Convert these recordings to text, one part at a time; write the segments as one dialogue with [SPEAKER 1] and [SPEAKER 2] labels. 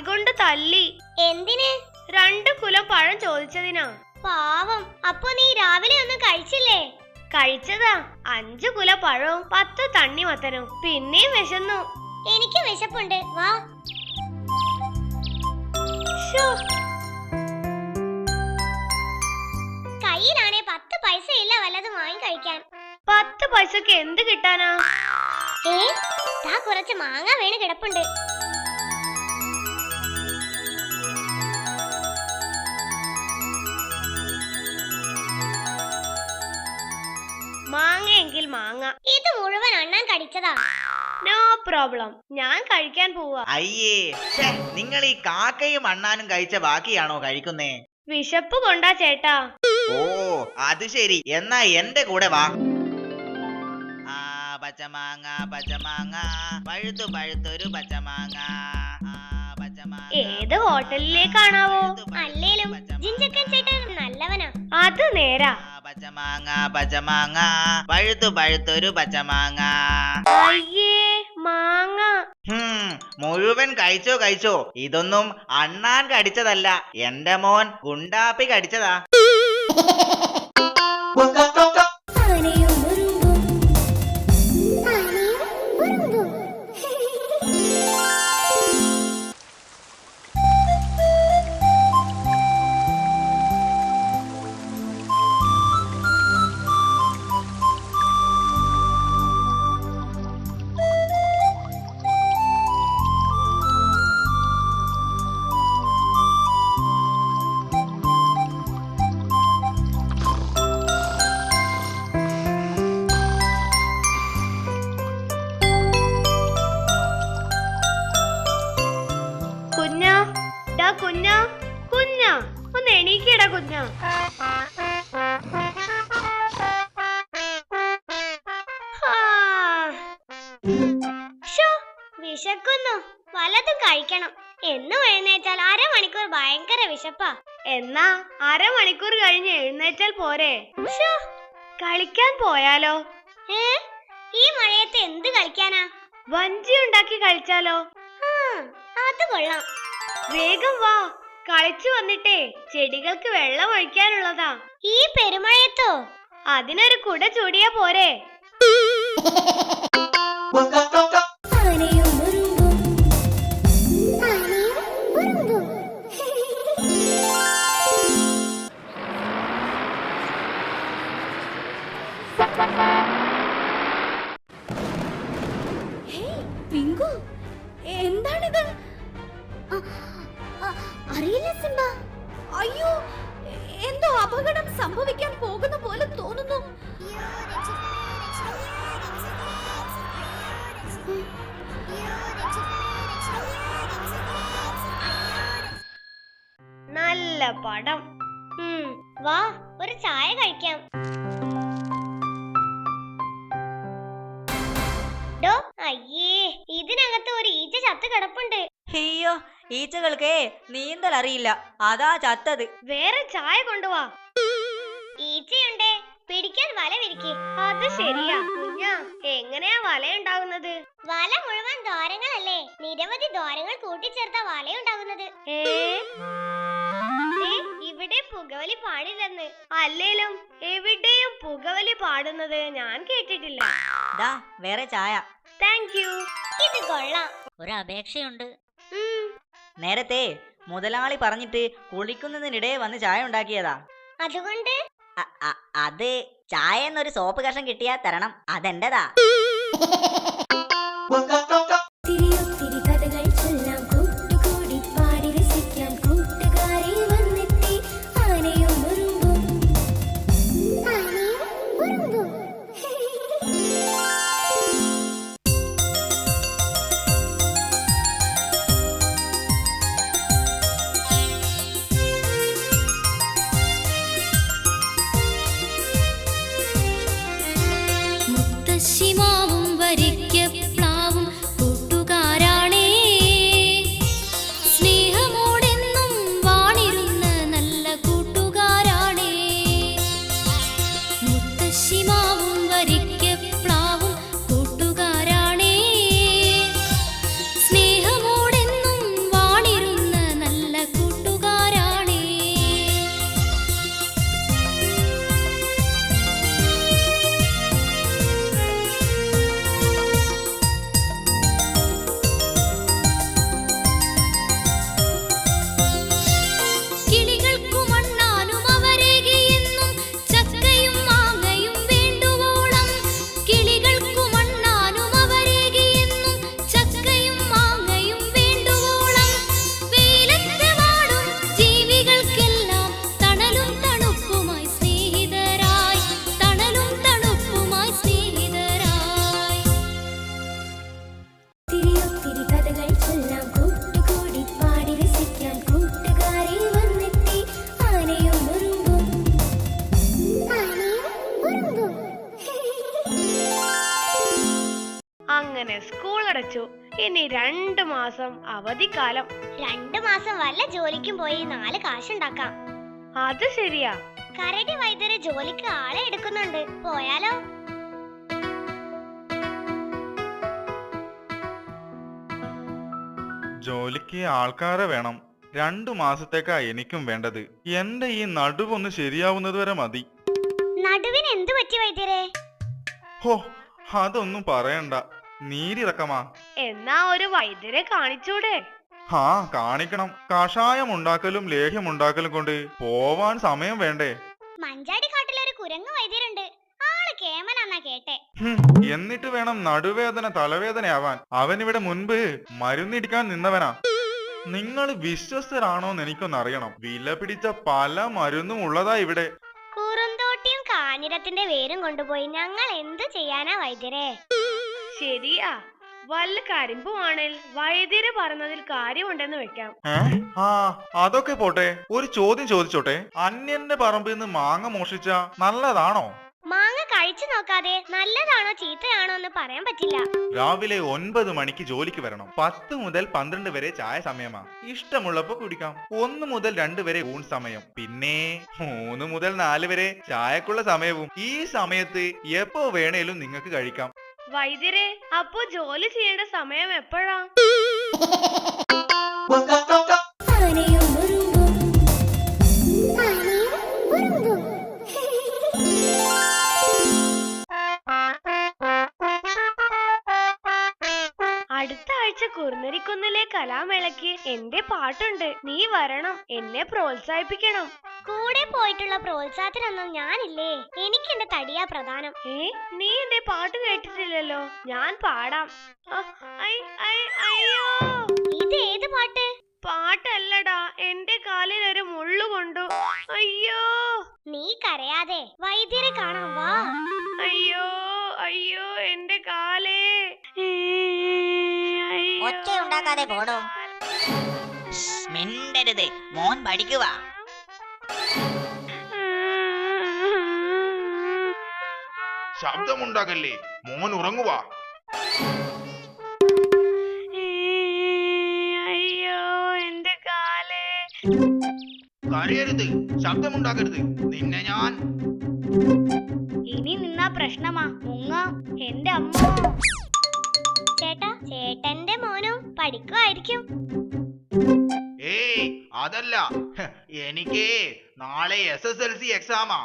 [SPEAKER 1] കൊണ്ട് തല്ലി.
[SPEAKER 2] എന്തിന്?
[SPEAKER 1] 2 കുലം പഴം ചോദിച്ചതിനാ.
[SPEAKER 2] പാവം. അപ്പൊ നീ രാവിലെ ഒന്നും കഴിച്ചില്ലേ?
[SPEAKER 1] കഴിച്ചതാ. 5 കുല പഴവും 10 തണ്ണിമത്തനും. പിന്നെയും വിശന്നു.
[SPEAKER 2] എനിക്ക് വിശപ്പുണ്ട്, വാ. കയ്യിലാണെ 10 പൈസ ഇല്ല വല്ലതും വാങ്ങി കഴിക്കാൻ.
[SPEAKER 1] 10 പൈസക്ക് എന്ത് കിട്ടാനാ?
[SPEAKER 2] ദാ കുറച്ച് മാങ്ങ വീണ് കിടപ്പുണ്ട്.
[SPEAKER 1] മാങ്ങയെങ്കിൽ മാങ്ങ.
[SPEAKER 2] ഇത് മുഴുവൻ അണ്ണാൻ കടിച്ചതാ.
[SPEAKER 1] നോ പ്രോബ്ലം, ഞാൻ കഴിക്കാൻ പോവാ.
[SPEAKER 3] അയ്യേ, നിങ്ങൾ ഈ കാക്കയും അണ്ണാനും കഴിച്ച ബാക്കിയാണോ കഴിക്കുന്നേ?
[SPEAKER 1] വിശപ്പ് കൊണ്ടാ ചേട്ടാ.
[SPEAKER 3] ഓ അത് ശരി, എന്നാ എന്റെ കൂടെ വാ. പച്ചമാങ്ങ പച്ചമാങ്ങ പഴുത്തു പഴുത്തൊരു പച്ചമാങ്ങ.
[SPEAKER 1] ഏത് ഹോട്ടലിലേക്കാണാവോ?
[SPEAKER 2] അല്ലേലും ജിഞ്ചക്കൻ ചേട്ടൻ നല്ലവനാ.
[SPEAKER 1] അത് നേരാ.
[SPEAKER 3] പച്ചമാങ്ങ പച്ചമാങ്ങ പഴുത്തു പഴുത്തൊരു പച്ചമാങ്ങ.
[SPEAKER 1] അയ്യേ, മാങ്ങ.
[SPEAKER 3] മുഴുവൻ കഴിച്ചോ കഴിച്ചോ. ഇതൊന്നും അണ്ണാൻ കടിച്ചതല്ല, എന്റെ മോൻ ഗുണ്ടാപ്പി കടിച്ചതാ.
[SPEAKER 1] കുഞ്ഞാ കുഞ്ഞാ, ഒന്ന് എണീക്കടാ കുഞ്ഞാ.
[SPEAKER 2] വിശക്കുന്നു, വല്ലതും കഴിക്കണം. എന്നും എഴുന്നേറ്റാൽ അരമണിക്കൂർ ഭയങ്കര വിശപ്പാ.
[SPEAKER 1] എന്നാ അരമണിക്കൂർ കഴിഞ്ഞ് എഴുന്നേറ്റാൽ പോരെ? കളിക്കാൻ പോയാലോ?
[SPEAKER 2] ഈ മഴയത്ത് എന്ത് കളിക്കാനാ?
[SPEAKER 1] വഞ്ചി ഉണ്ടാക്കി കളിച്ചാലോ?
[SPEAKER 2] അത് കൊള്ളാം.
[SPEAKER 1] വേഗം വാ, കളിച്ചു വന്നിട്ടേ ചെടികൾക്ക് വെള്ളം ഒഴിക്കാനുള്ളതാ.
[SPEAKER 2] ഈ പെരുമഴയത്തോ?
[SPEAKER 1] അതിനൊരു കുട ചൂടിയാ പോരെ?
[SPEAKER 2] എന്താണിത്? അറിയില്ല സിംബ.
[SPEAKER 4] അയ്യോ, എന്തോ അപകടം സംഭവിക്കാൻ പോകുന്ന പോലെ തോന്നുന്നു.
[SPEAKER 1] നല്ല പടം.
[SPEAKER 2] വാ, ഒരു ചായ കഴിക്കാം. അയ്യേ, ഇതിനകത്ത് ഒരു ഈച്ച ചത്ത് കിടപ്പുണ്ട്.
[SPEAKER 4] അയ്യോ, ഈച്ചകൾക്ക് നീന്തൽ അറിയില്ല, അതാ ചത്തത്.
[SPEAKER 1] വേറെ ചായ കൊണ്ടുവാ.
[SPEAKER 2] ഈച്ചയുണ്ടേ, പിടിക്കാൻ വല വിരിക്ക്.
[SPEAKER 1] അത് ശരിയാ കുഞ്ഞാ. എങ്ങനെയാ വല ഉണ്ടാകുന്നത്?
[SPEAKER 2] വല മുഴുവൻ ദ്വാരങ്ങളല്ലേ, നിരവധി ദ്വാരങ്ങൾ കൂട്ടിച്ചേർത്ത വലയുണ്ടാകുന്നത്.
[SPEAKER 1] ഇവിടെ പുകവലി പാടില്ലെന്ന്. അല്ലേലും എവിടെയും പുകവലി പാടുന്നത് ഞാൻ കേട്ടിട്ടില്ല.
[SPEAKER 4] വേറെ ചായ.
[SPEAKER 1] Thank you.
[SPEAKER 2] ഇത് കൊള്ളാം.
[SPEAKER 4] ഒരു അപേക്ഷയുണ്ട്. നേരത്തെ മുതലാളി പറഞ്ഞിട്ട് കുളിക്കുന്നതിനിടെ വന്ന് ചായ ഉണ്ടാക്കിയതാ.
[SPEAKER 2] അതുകൊണ്ട്
[SPEAKER 4] അത് ചായ എന്നൊരു സോപ്പ് കഷം കിട്ടിയാ തരണം, അതെന്റെതാ.
[SPEAKER 1] സ്കൂൾ അടച്ചു. ഇനി 2 മാസം അവധിക്കാലം.
[SPEAKER 2] 2 മാസം വല്ല ജോലിക്കും പോയി 4 കാശുണ്ടാക്കാം.
[SPEAKER 1] അത് ശരിയാ.
[SPEAKER 2] കരടി വൈദ്യര് ജോലിക്ക് ആളെ എടുക്കുന്നുണ്ട്, പോയാലോ?
[SPEAKER 5] ജോലിക്ക് ആൾക്കാരെ വേണം. 2 മാസത്തേക്കാ എനിക്കും വേണ്ടത്. എന്റെ ഈ നടുവൊന്ന് ശരിയാവുന്നത് വരെ മതി.
[SPEAKER 2] നടുവിന് എന്തു പറ്റി വൈദ്യരെ?
[SPEAKER 5] ഹോ, അതൊന്നും പറയണ്ട. നീരിറക്കമാ.
[SPEAKER 1] എന്നാ ഒരു വൈദ്യരെ കാണിച്ചൂടെ?
[SPEAKER 5] ഹാ, കാണിക്കണം. കഷായം ഉണ്ടാക്കലും ലേഹ്യം ഉണ്ടാക്കലും കൊണ്ട് പോവാൻ സമയം വേണ്ടേ?
[SPEAKER 2] മഞ്ചാടി കാട്ടിലൊരു കുരങ്ങ് വൈദ്യരുണ്ട്, ആള് കേമനാന്നാ കേട്ടെ.
[SPEAKER 5] എന്നിട്ട് വേണം നടുവേദന തലവേദനയാവാൻ. അവനിവിടെ മുൻപ് മരുന്നിടിക്കാൻ നിന്നവനാ. നിങ്ങൾ വിശ്വസ്തരാണോന്ന് എനിക്കൊന്നറിയണം. വില പിടിച്ച പല മരുന്നും ഉള്ളതാ ഇവിടെ.
[SPEAKER 2] കുറുന്തോട്ടിയും കാഞ്ഞിരത്തിന്റെ വേരും കൊണ്ടുപോയി ഞങ്ങൾ എന്തു ചെയ്യാനാ വൈദ്യരെ?
[SPEAKER 1] ശരിയാ. വല്ല കരിമ്പുവാണേൽ വൈദ്യര് പറഞ്ഞതിൽ കാര്യമുണ്ടെന്ന് വെക്കാം.
[SPEAKER 5] ആ, അതൊക്കെ പോട്ടെ. ഒരു ചോദ്യം ചോദിച്ചോട്ടെ. അന്യന്റെ പറമ്പിൽ നിന്ന് മാങ്ങ മോഷിച്ച നല്ലതാണോ?
[SPEAKER 2] മാങ്ങ കഴിച്ചു നോക്കാതെ നല്ലതാണോ ചീത്തയാണോ എന്ന് പറയാൻ പറ്റില്ല.
[SPEAKER 5] രാവിലെ 9 മണിക്ക് ജോലിക്ക് വരണം. 10 മുതൽ 12 വരെ ചായ സമയമാ. ഇഷ്ടമുള്ളപ്പോ കുടിക്കാം. 1 മുതൽ 2 വരെ ഊൺ സമയം. പിന്നെ 3 മുതൽ 4 വരെ ചായക്കുള്ള സമയവും. ഈ സമയത്ത് എപ്പോ വേണേലും നിങ്ങൾക്ക് കഴിക്കാം.
[SPEAKER 1] വൈദ്യരെ, അപ്പോ ജോലി ചെയ്യേണ്ട സമയം എപ്പോഴാ? അടുത്ത ആഴ്ച കുറുനരിക്കുന്നിലെ കലാമേളയ്ക്ക് എന്റെ പാട്ടുണ്ട്. നീ വരണം, എന്നെ പ്രോത്സാഹിപ്പിക്കണം.
[SPEAKER 2] കൂടെ പോയിട്ടുള്ള പ്രോത്സാഹത്തിനൊന്നും ഞാനില്ലേ, എനിക്ക് എന്റെ തടിയാ പ്രധാനം.
[SPEAKER 1] നീ എന്റെ പാട്ട് കേട്ടിട്ടില്ലല്ലോ. ഞാൻ പാടാം. അയ്യോ,
[SPEAKER 2] ഇത് ഏത് പാട്ട്?
[SPEAKER 1] പാട്ടല്ലടാ, എന്റെ കാലിൽ ഒരു മുള്ളു കൊണ്ടു. അയ്യോ.
[SPEAKER 2] നീ കരയാതെ വൈദ്യരെ കാണാൻ വാ.
[SPEAKER 1] അയ്യോ അയ്യോ, എന്റെ കാലേ.
[SPEAKER 4] ഒച്ചയുണ്ടാക്കാതെ പോടോ. മിണ്ടരുത്, മോൻ പഠിക്കുക.
[SPEAKER 5] ശബ്ദമുണ്ടാകല്ലേ, മോൻ ഉറങ്ങുക.
[SPEAKER 1] അയ്യോ, എന്റെ കാലേ.
[SPEAKER 3] കരയരുത്, ശബ്ദമുണ്ടാക്കരുത്. നിന്നെ ഞാൻ
[SPEAKER 2] ഇനി നിന്നാ പ്രശ്നമാ, മുങ്ങാം. എന്റെ അമ്മ. ചേട്ടാ, ചേട്ടന്റെ മോനും പഠിക്കുമായിരിക്കും.
[SPEAKER 3] ഏയ് അതല്ല, എനിക്ക് നാളെ SSLC എക്സാമാ.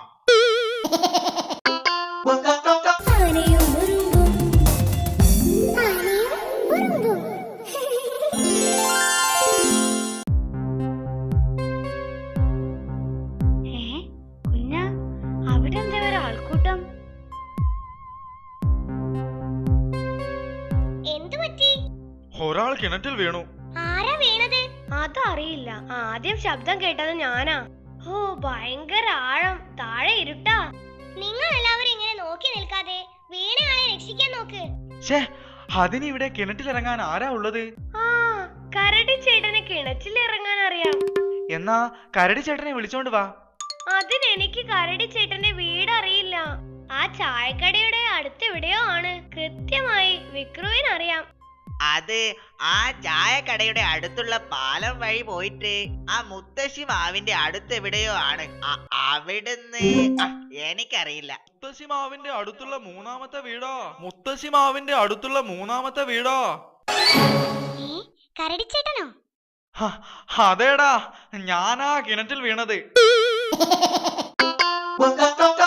[SPEAKER 1] കുഞ്ഞാ, അവിടെ എന്താ ഒരു ആൾക്കൂട്ടം?
[SPEAKER 2] എന്തു പറ്റി?
[SPEAKER 5] ഒരാൾ കിണറ്റിൽ വീണു.
[SPEAKER 2] ആരാ വീണത്?
[SPEAKER 1] അതറിയില്ല. ആദ്യം ശബ്ദം കേട്ടത് ഞാനാ. ഓ, ഭയങ്കര ആഴം. താഴെ ഇരുട്ടാ.
[SPEAKER 2] നിങ്ങൾ എല്ലാവരും ഇങ്ങനെ നോക്കി നിൽക്കാതെ വീണയാളെ രക്ഷിക്കാൻ നോക്ക്.
[SPEAKER 5] അതിനിവിടെ കിണറ്റിലിറങ്ങാൻ ആരാ ഉള്ളത്?
[SPEAKER 1] ആ, കരടി ചേട്ടന് കിണറ്റിൽ ഇറങ്ങാൻ അറിയാം.
[SPEAKER 5] എന്നാ കരടി ചേട്ടനെ വിളിച്ചോണ്ട് വാ.
[SPEAKER 1] അതിനെനിക്ക് കരടി ചേട്ടന്റെ വീട് അറിയില്ല. ആ ചായക്കടയുടെ അടുത്തെവിടെയോ ആണ്. കൃത്യമായി വിക്രുവിനറിയാം.
[SPEAKER 3] അത് ആ ചായക്കടയുടെ അടുത്തുള്ള പാലം വഴി പോയിട്ട് ആ മുത്തശ്ശി മാവിന്റെ അടുത്തെവിടെയോ ആണ്. അവിടുന്ന് എനിക്കറിയില്ല.
[SPEAKER 5] മുത്തശ്ശി മാവിന്റെ അടുത്തുള്ള മൂന്നാമത്തെ വീടോ? മുത്തശ്ശി മാവിന്റെ അടുത്തുള്ള മൂന്നാമത്തെ വീടോ?
[SPEAKER 2] കരടിച്ചേട്ടനോ?
[SPEAKER 5] അതേടാ, ഞാനാ കിണറ്റിൽ വീണത്.